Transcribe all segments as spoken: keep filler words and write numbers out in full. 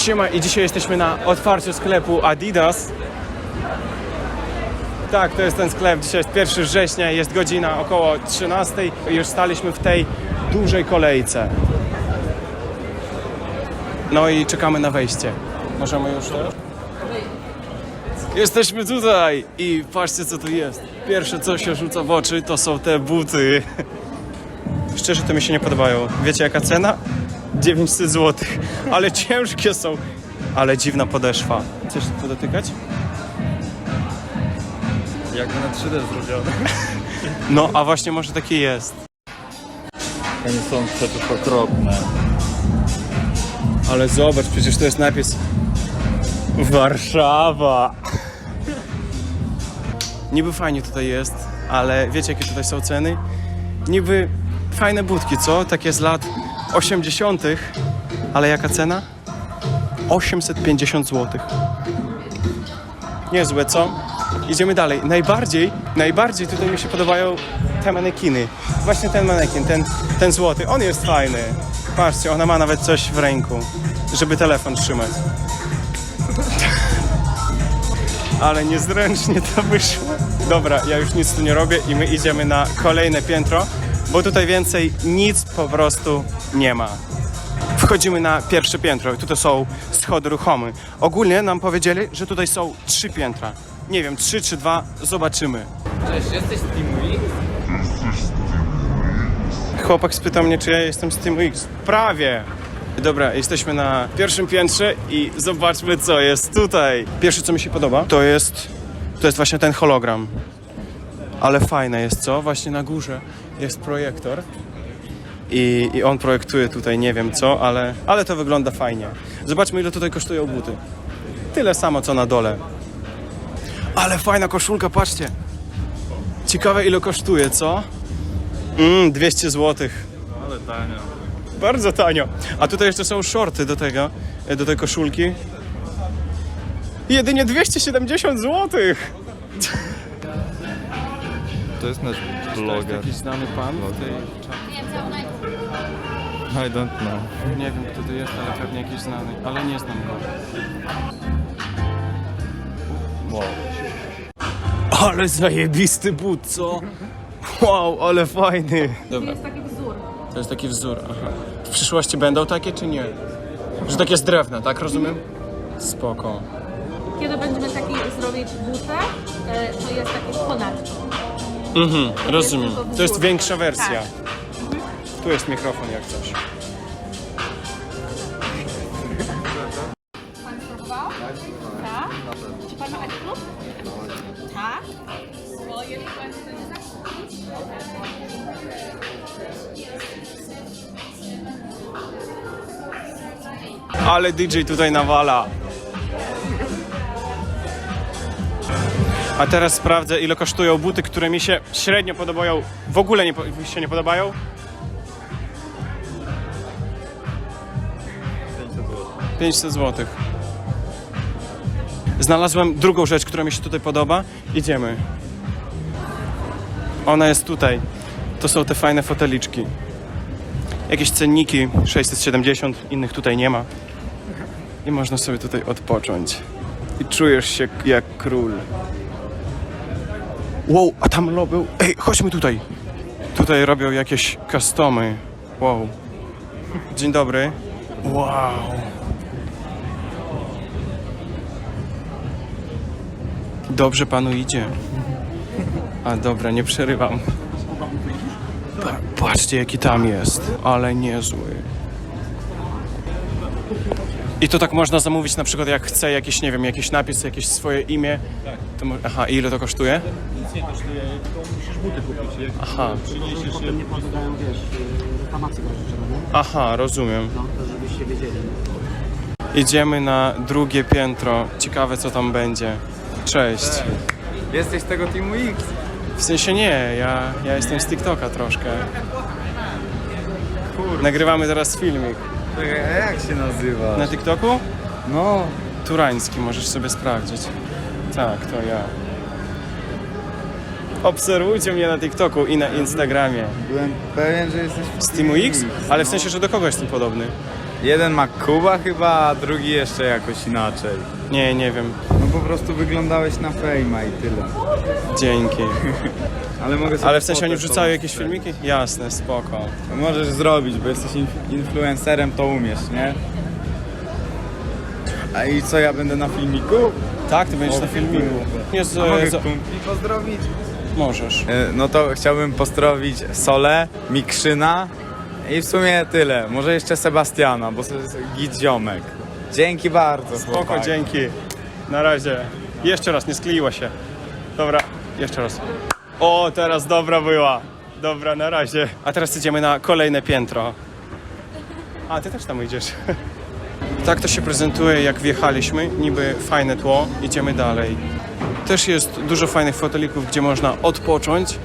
Siema, i dzisiaj jesteśmy na otwarciu sklepu Adidas. Tak, to jest ten sklep. Dzisiaj jest pierwszego września, jest godzina około trzynastej. Już staliśmy w tej dużej kolejce. No i czekamy na wejście. Możemy już teraz? Jesteśmy tutaj i patrzcie, co tu jest. Pierwsze, co się rzuca w oczy, to są te buty. Szczerze, to mi się nie podobają. Wiecie, jaka cena? dziewięćset złotych. Ale ciężkie są. Ale dziwna podeszwa. Chcesz to dotykać? Jakby na trzy D zrobione. No, a właśnie może takie jest. Oni są przecież okropne. Ale zobacz, przecież to jest napis Warszawa. Niby fajnie tutaj jest, ale wiecie, jakie tutaj są ceny? Niby fajne budki, co? Takie z lat osiemdziesiątych. Ale jaka cena? osiemset pięćdziesiąt złotych. Niezłe, co? Idziemy dalej. Najbardziej, najbardziej tutaj mi się podobają te manekiny. Właśnie ten manekin, ten, ten złoty. On jest fajny. Patrzcie, ona ma nawet coś w ręku, żeby telefon trzymać. Ale niezręcznie to wyszło. Dobra, ja już nic tu nie robię i my idziemy na kolejne piętro, bo tutaj więcej nic po prostu nie ma. Wchodzimy na pierwsze piętro i tutaj są schody ruchome. Ogólnie nam powiedzieli, że tutaj są trzy piętra. Nie wiem, trzy czy dwa, zobaczymy. Cześć, jesteś z Teamu X? Chłopak spytał mnie, czy ja jestem z Teamu X. Prawie! Dobra, jesteśmy na pierwszym piętrze i zobaczmy, co jest tutaj. Pierwsze, co mi się podoba, to jest, to jest właśnie ten hologram. Ale fajne jest, co? Właśnie na górze jest projektor. I, I on projektuje tutaj nie wiem co, ale, ale to wygląda fajnie. Zobaczmy, ile tutaj kosztują buty. Tyle samo, co na dole. Ale fajna koszulka, patrzcie. Ciekawe, ile kosztuje, co? Mm, dwieście złotych. Ale tanio. Bardzo tanio. A tutaj jeszcze są shorty do tego, do tej koszulki. Jedynie dwieście siedemdziesiąt złotych. To jest nasz bloger. Jakiś znany pan w tej czapce. I don't know. Nie wiem, kto to jest, ale pewnie jakiś znany, ale nie znam go. Wow. Ale zajebisty but, co? Wow, ale fajny. To Dobra, jest taki wzór. to jest taki wzór. Aha. W przyszłości będą takie, czy nie? Że takie z drewna, tak rozumiem? Spoko. Kiedy będziemy taki zrobić butę, e, to jest taki ponadto. Mhm, rozumiem. tylko wzór. To jest większa wersja. Tak. Tu jest mikrofon jak coś. Pan spróbował? Tak. Czy pan ma taki klub? Tak. Bo jeżeli pan będzie zakupić, Ale D J tutaj nawala. A teraz sprawdzę, ile kosztują buty, które mi się średnio podobają. W ogóle nie, po- się nie podobają. pięćset złotych. Znalazłem drugą rzecz, która mi się tutaj podoba. Idziemy. Ona jest tutaj. To są te fajne foteliczki. Jakieś cenniki, sześćset siedemdziesiąt, innych tutaj nie ma. I można sobie tutaj odpocząć. I czujesz się jak król. Wow, a tam robią... Ej, chodźmy tutaj. Tutaj robią jakieś customy. Wow. Dzień dobry. Wow. Dobrze panu idzie. A dobra, nie przerywam. Pa- patrzcie, jaki tam jest. Ale niezły. I to tak można zamówić, na przykład jak chce jakiś, nie wiem, jakiś napis, jakieś swoje imię. Tak. To mo- Aha, i ile to kosztuje? Nic nie kosztuje, tylko musisz buty kupić. Jak Aha, przyniesiesz potem nie poddają, wiesz, reklamacji grożyczego, nie? aha, rozumiem. No, to żebyście wiedzieli. Idziemy na drugie piętro. Ciekawe, co tam będzie. Cześć. Jesteś z tego Teamu X? W sensie nie, ja, ja jestem z TikToka troszkę. Nagrywamy teraz filmik. Czekaj, a jak się nazywa? Na TikToku? No. Turański, możesz sobie sprawdzić. Tak, to ja. Obserwujcie mnie na TikToku i na Instagramie. Byłem pewien, że jesteś Z Teamu X? Ale w sensie, że do kogo jestem podobny? Jeden ma Kuba chyba, a drugi jeszcze jakoś inaczej. Nie, nie wiem. No po prostu wyglądałeś na fejma i tyle. Dzięki. Ale mogę sobie Ale w sensie fotę oni wrzucają jakieś wstawić. filmiki? Jasne, spoko. To możesz zrobić, bo jesteś inf- influencerem, to umiesz, nie? A i co, ja będę na filmiku? Tak, ty będziesz O, na filmiku. Nie z, A mogę z, kumpli pozdrowić? możesz. E, No to chciałbym pozdrowić Solę, Mikrzyna i w sumie tyle. Może jeszcze Sebastiana, bo to jest git ziomek. Dzięki bardzo. Spoko, chłopaki. dzięki. Na razie. Jeszcze raz, nie skleiła się. Dobra, jeszcze raz. O, teraz dobra była. Dobra, na razie. A teraz idziemy na kolejne piętro. A, ty też tam idziesz. Tak to się prezentuje, jak wjechaliśmy. Niby fajne tło. Idziemy dalej. Też jest dużo fajnych fotelików, gdzie można odpocząć.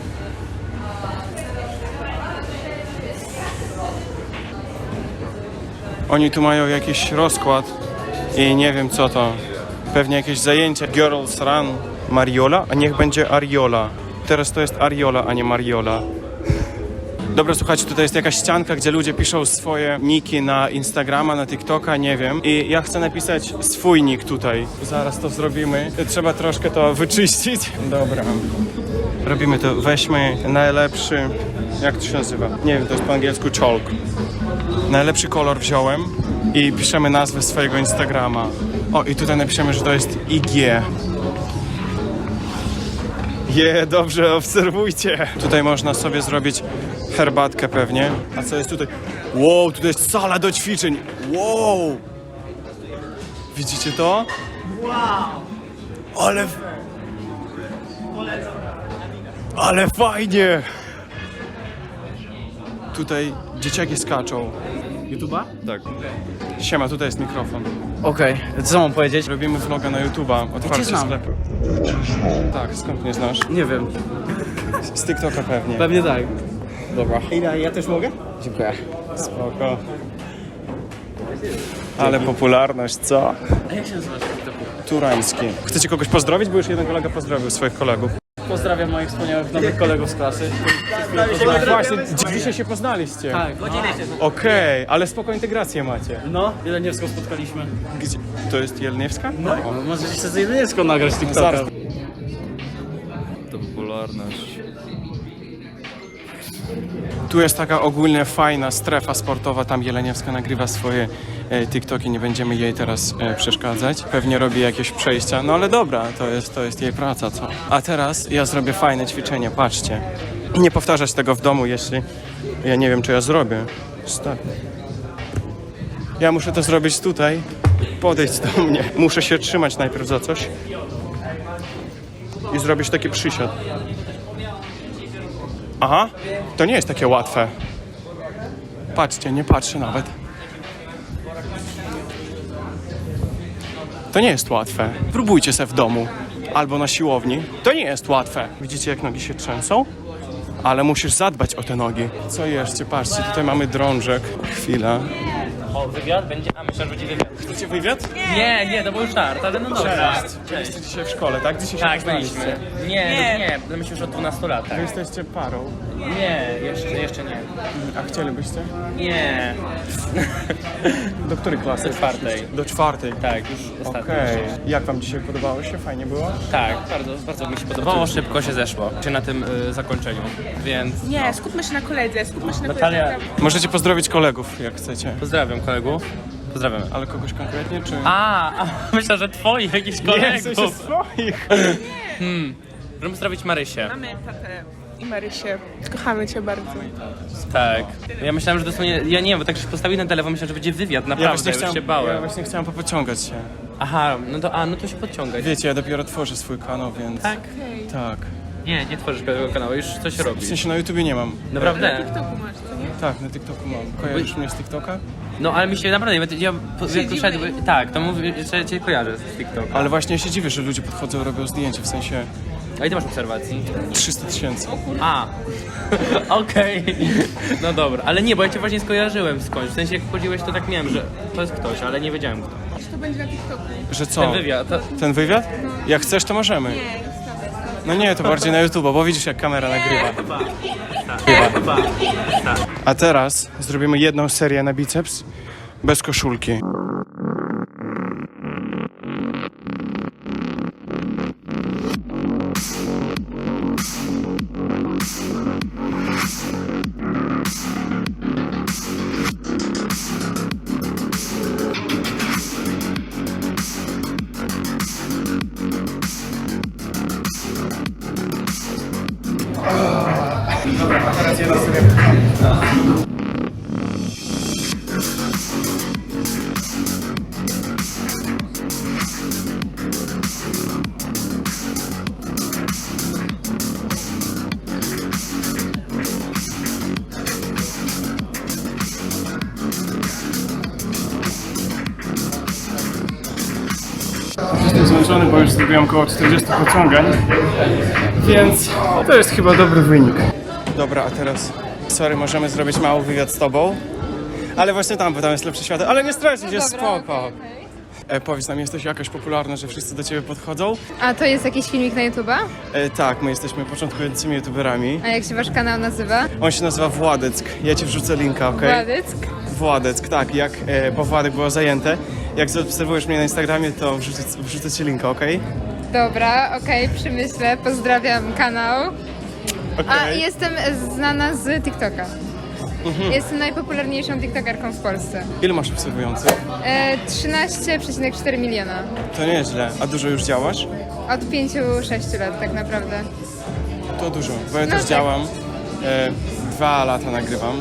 Oni tu mają jakiś rozkład i nie wiem co to. Pewnie jakieś zajęcia. Girls Run Mariola, a niech będzie Ariola. Teraz to jest Ariola, a nie Mariola. Dobra, słuchajcie, tutaj jest jakaś ścianka, gdzie ludzie piszą swoje niki na Instagrama, na TikToka, nie wiem. I ja chcę napisać swój nick tutaj. Zaraz to zrobimy. Trzeba troszkę to wyczyścić. Dobra. Robimy to. Weźmy najlepszy... Jak to się nazywa? Nie wiem, to jest po angielsku chalk. Najlepszy kolor wziąłem i piszemy nazwę swojego Instagrama. O, i tutaj napiszemy, że to jest I G. Je, dobrze, obserwujcie. Tutaj można sobie zrobić herbatkę pewnie. A co jest tutaj? Wow, tutaj jest sala do ćwiczeń. Wow! Widzicie to? Wow! Ale... Ale fajnie! Tutaj dzieciaki skaczą. YouTube'a? Tak. Siema, tutaj jest mikrofon. Okej, co mam powiedzieć? Robimy vloga na YouTube'a, otwarcie znam. sklepu. Tak, skąd mnie znasz? Nie wiem, Z TikToka pewnie. pewnie tak. Dobra. Ile, ja też mogę? Dziękuję. Spoko. Ale popularność, co? A jak się nazywasz? Turański. Chcecie kogoś pozdrowić? Bo już jeden kolega pozdrowił swoich kolegów. Pozdrawiam moich wspaniałych nowych kolegów z klasy. Właśnie, dzi- dzisiaj się poznaliście. Tak, godzinę się. Okej, ale spoko integrację macie. No, Jeleniewską spotkaliśmy. Gdzie? To jest Jelniewska? No, możecie się z Jeleniewską nagrać TikToka. Zaraz. To popularność. Tu jest taka ogólnie fajna strefa sportowa, tam Jeleniewska nagrywa swoje e, TikToki, nie będziemy jej teraz e, przeszkadzać. Pewnie robi jakieś przejścia, no ale dobra, to jest, to jest jej praca, co? A teraz ja zrobię fajne ćwiczenie, patrzcie. Nie powtarzać tego w domu, jeśli ja nie wiem, czy ja zrobię. Stary. Ja muszę to zrobić tutaj, podejść do mnie. Muszę się trzymać najpierw za coś i zrobić taki przysiad. Aha, to nie jest takie łatwe. Patrzcie, nie patrzę nawet. To nie jest łatwe. Próbujcie se w domu albo na siłowni. To nie jest łatwe. Widzicie, jak nogi się trzęsą? Ale musisz zadbać o te nogi. Co jeszcze? Patrzcie, tutaj mamy drążek. Chwila. O, wywiad będzie? A myślę, że będzie wywiad. Chcecie wywiad? Nie, nie, to był żart, ale no dobra. Byliście dzisiaj w szkole, tak? Dzisiaj się Tak, poznaliście. byliśmy. Nie, nie, nie, no myślę, że od dwunastu lat. Wy Tak. jesteście parą. Nie, jeszcze, jeszcze nie. A chcielibyście? Nie. Do której klasy? Do czwartej. Do czwartej. Tak, już ostatnio. Okej. Jak wam dzisiaj podobało się? Fajnie było? Tak, bardzo, bardzo mi się podobało, szybko się zeszło. Się na tym y, zakończeniu, więc Nie, skupmy się na koledze, skupmy się na Natalia- koledze. Możecie pozdrowić kolegów, jak chcecie. pozdrawiam kolegów. Pozdrawiam. Ale kogoś konkretnie, czy... A, a myślę, że twoich jakichś nie, w sensie kolegów. swoich. Hmm. Możemy pozdrowić Marysię. Mamy tatę i Marysię. Kochamy cię bardzo. Tak. Ja myślałem, że dosłownie, ja nie wiem, bo tak się postawił na telefon, myślałem, że będzie wywiad, Ja naprawdę, właśnie, już chciałem, się bałem. ja właśnie chciałem popociągać się. Aha, no to, a, no to się podciągaj. Wiecie, ja dopiero tworzę swój kanał, więc... Tak? Tak. Nie, nie tworzysz tego kanału, już coś W robisz. sensie na YouTubie nie mam. Naprawdę? TikToku masz, co nie? Tak, na TikToku mam. Kojarzysz mnie z TikToka? No ale mi się naprawdę, ja, ja po, jak Siedzimy poszedłem, tak, to mówię, że cię kojarzę z TikToka. Ale właśnie ja się dziwię, że ludzie podchodzą, robią zdjęcia, w sensie A ile ty masz obserwacji? trzysta tysięcy. A, okej, no dobra, ale nie, bo ja cię właśnie skojarzyłem skądś, w sensie jak wchodziłeś to tak miałem, że to jest ktoś, ale nie wiedziałem kto. Czy to będzie na TikToku? Że co? Ten wywiad, to, Ten wywiad? Jak chcesz, to możemy. Nie, zostawię. No nie, to bardziej na YouTube, bo widzisz, jak kamera nagrywa. chyba, tak, chyba, tak. A teraz zrobimy jedną serię na biceps, bez koszulki. Dobra, a teraz jedna sobie. Jestem zmęczony, bo już zrobiłem około czterdziestu pociągań, więc to jest chyba dobry wynik. Dobra, a teraz, sorry, możemy zrobić mały wywiad z tobą, ale właśnie tam, bo tam jest lepsze światło, ale nie stracić, jest spoko. E, powiedz nam, jesteś jakaś popularna, że wszyscy do ciebie podchodzą? A to jest jakiś filmik na YouTube'a? E, tak, my jesteśmy początkującymi youtuberami. A jak się wasz kanał nazywa? On się nazywa Władeck, ja ci wrzucę linka, okej? Władyck? Władeck, tak, jak, e, bo Władek było zajęte. Jak zaobserwujesz mnie na Instagramie, to wrzucę, wrzucę ci linka, okej? Dobra, okej, przemyślę, pozdrawiam kanał. A Okej. jestem znana z TikToka. Jestem najpopularniejszą TikTokerką w Polsce. Ile masz obserwujących? E, trzynaście przecinek cztery miliona. To nieźle. A dużo już działasz? Od pięciu sześciu lat tak naprawdę. To dużo, bo ja No też tak. działam. E, dwa lata nagrywam.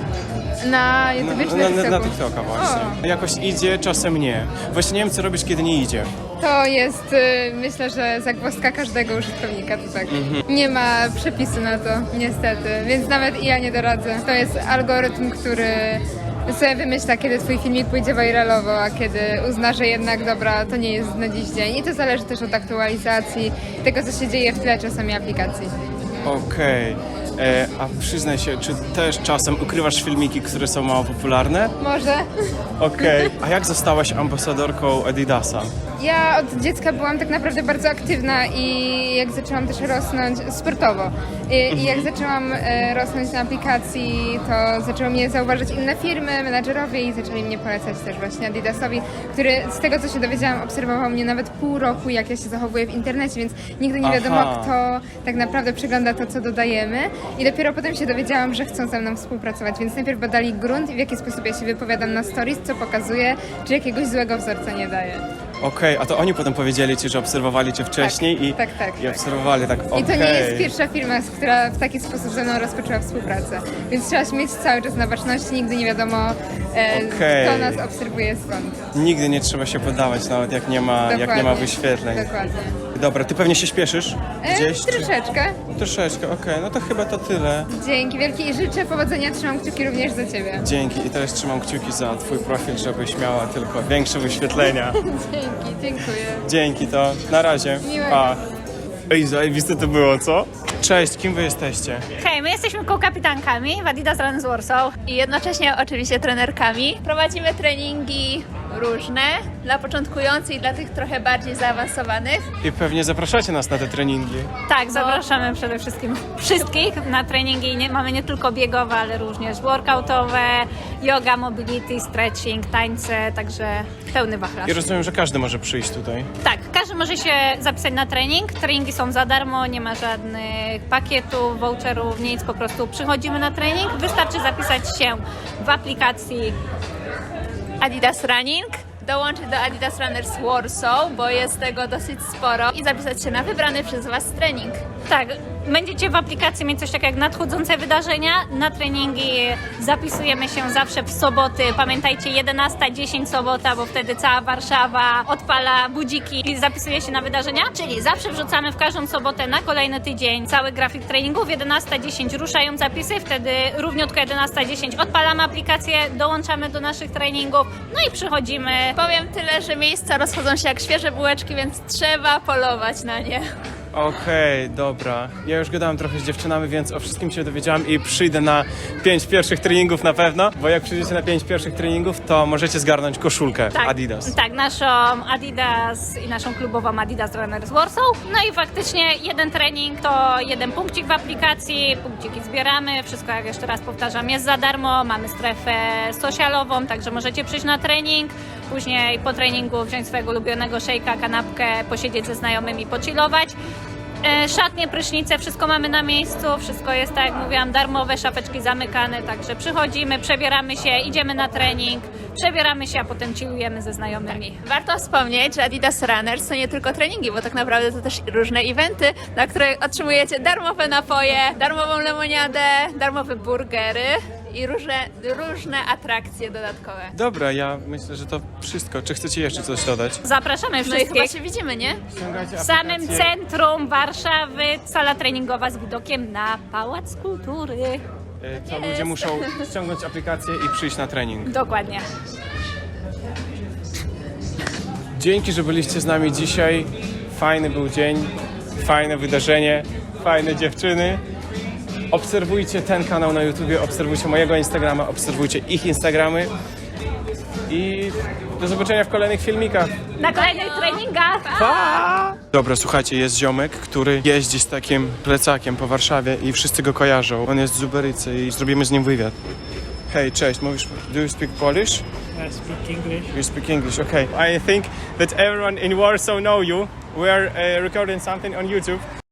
Na YouTube czy na, na na, na TikToku? TikToka właśnie. Jakoś idzie, czasem nie. Właśnie nie wiem, co robisz, kiedy nie idzie. To jest, y, myślę, że zagwozdka każdego użytkownika, to tak. Nie ma przepisu na to, niestety, więc nawet ja nie doradzę. To jest algorytm, który sobie wymyśla, kiedy twój filmik pójdzie viralowo, a kiedy uzna, że jednak dobra, to nie jest na dziś dzień. I to zależy też od aktualizacji, tego, co się dzieje w tle czasami aplikacji. Okej. E, A przyznaj się, czy też czasem ukrywasz filmiki, które są mało popularne? Może? Okej. A jak zostałaś ambasadorką Adidasa? Ja od dziecka byłam tak naprawdę bardzo aktywna i jak zaczęłam też rosnąć sportowo i, i jak zaczęłam e, rosnąć na aplikacji, to zaczęły mnie zauważyć inne firmy, menadżerowie i zaczęli mnie polecać też właśnie Adidasowi, który z tego co się dowiedziałam obserwował mnie nawet pół roku jak ja się zachowuję w internecie, więc nigdy nie wiadomo Aha. kto tak naprawdę przegląda to co dodajemy i dopiero potem się dowiedziałam, że chcą ze mną współpracować, więc najpierw badali grunt i w jaki sposób ja się wypowiadam na stories, co pokazuję, czy jakiegoś złego wzorca nie daję. Okej, a to oni potem powiedzieli ci, że obserwowali cię wcześniej Tak, i, tak, tak, i tak. obserwowali tak, okej. I to nie jest pierwsza firma, z która w taki sposób ze mną rozpoczęła współpracę. Więc trzeba się mieć cały czas na baczności, nigdy nie wiadomo, e, Okej. kto nas obserwuje skąd. Nigdy nie trzeba się poddawać, nawet jak nie ma, jak nie ma Dokładnie. wyświetleń. Dokładnie. Dobra, ty pewnie się śpieszysz? E, Gdzieś? czy- troszeczkę. Troszeczkę, okej, no to chyba to tyle. Dzięki wielkie i życzę powodzenia, trzymam kciuki również za ciebie. Dzięki i teraz trzymam kciuki za twój profil, żebyś miała tylko większe wyświetlenia. Dzięki, dziękuję. Dzięki, to na razie. Miłego. Pa. Ej, zajebiste to było, co? Cześć, kim wy jesteście? Hej, my jesteśmy kołkapitankami w Adidas Runs Warsaw i jednocześnie oczywiście trenerkami. Prowadzimy treningi różne dla początkujących i dla tych trochę bardziej zaawansowanych. I pewnie zapraszacie nas na te treningi. Tak, zapraszamy przede wszystkim wszystkich na treningi. Nie, mamy nie tylko biegowe, ale również workoutowe, yoga, mobility, stretching, tańce, także pełny wachlarz. I rozumiem, że każdy może przyjść tutaj. Tak, każdy może się zapisać na trening. Treningi są za darmo, nie ma żadnych pakietów, voucherów, nic. Po prostu przychodzimy na trening. Wystarczy zapisać się w aplikacji Adidas Running, dołączyć do Adidas Runners Warsaw, bo jest tego dosyć sporo i zapisać się na wybrany przez Was trening. Tak, będziecie w aplikacji mieć coś takiego jak nadchodzące wydarzenia. Na treningi zapisujemy się zawsze w soboty. Pamiętajcie, jedenasta dziesięć sobota, bo wtedy cała Warszawa odpala budziki i zapisuje się na wydarzenia. Czyli zawsze wrzucamy w każdą sobotę na kolejny tydzień cały grafik treningów. jedenasta dziesięć ruszają zapisy, wtedy równiutko jedenasta dziesięć odpalamy aplikację, dołączamy do naszych treningów, no i przychodzimy. Powiem tyle, że miejsca rozchodzą się jak świeże bułeczki, więc trzeba polować na nie. Okej, dobra. Ja już gadałem trochę z dziewczynami, więc o wszystkim się dowiedziałem i przyjdę na pięć pierwszych treningów na pewno, bo jak przyjdziecie na pięć pierwszych treningów, to możecie zgarnąć koszulkę Adidas. Tak, naszą Adidas i naszą klubową Adidas Runners Warsaw. No i faktycznie jeden trening to jeden punkcik w aplikacji, punkciki zbieramy, wszystko jak jeszcze raz powtarzam jest za darmo, mamy strefę socialową, także możecie przyjść na trening, później po treningu wziąć swojego ulubionego szejka, kanapkę, posiedzieć ze znajomymi, pochillować. E, Szatnie, prysznice, wszystko mamy na miejscu, wszystko jest tak jak mówiłam, darmowe, szafeczki zamykane, także przychodzimy, przebieramy się, idziemy na trening, przebieramy się, a potem chillujemy ze znajomymi. Warto wspomnieć, że Adidas Runners to nie tylko treningi, bo tak naprawdę to też różne eventy, na które otrzymujecie darmowe napoje, darmową lemoniadę, darmowe burgery i różne, różne atrakcje dodatkowe. Dobra, ja myślę, że to wszystko. Czy chcecie jeszcze coś dodać? Zapraszamy No i chyba wszystkich. się widzimy, nie? Ściągajcie W samym aplikację. centrum Warszawy, sala treningowa z widokiem na Pałac Kultury. E, To ludzie muszą ściągnąć aplikację i przyjść na trening. Dokładnie. Dzięki, że byliście z nami dzisiaj. Fajny był dzień, fajne wydarzenie, fajne dziewczyny. Obserwujcie ten kanał na YouTubie, obserwujcie mojego Instagrama, obserwujcie ich Instagramy i do zobaczenia w kolejnych filmikach. Na kolejnych treningach. Dobra, słuchajcie, jest ziomek, który jeździ z takim plecakiem po Warszawie i wszyscy go kojarzą. On jest z Uberycy i zrobimy z nim wywiad. Hej, cześć, mówisz, do you speak Polish? I speak English. You speak English, okay. I think that everyone in Warsaw know you. We are uh, recording something on YouTube.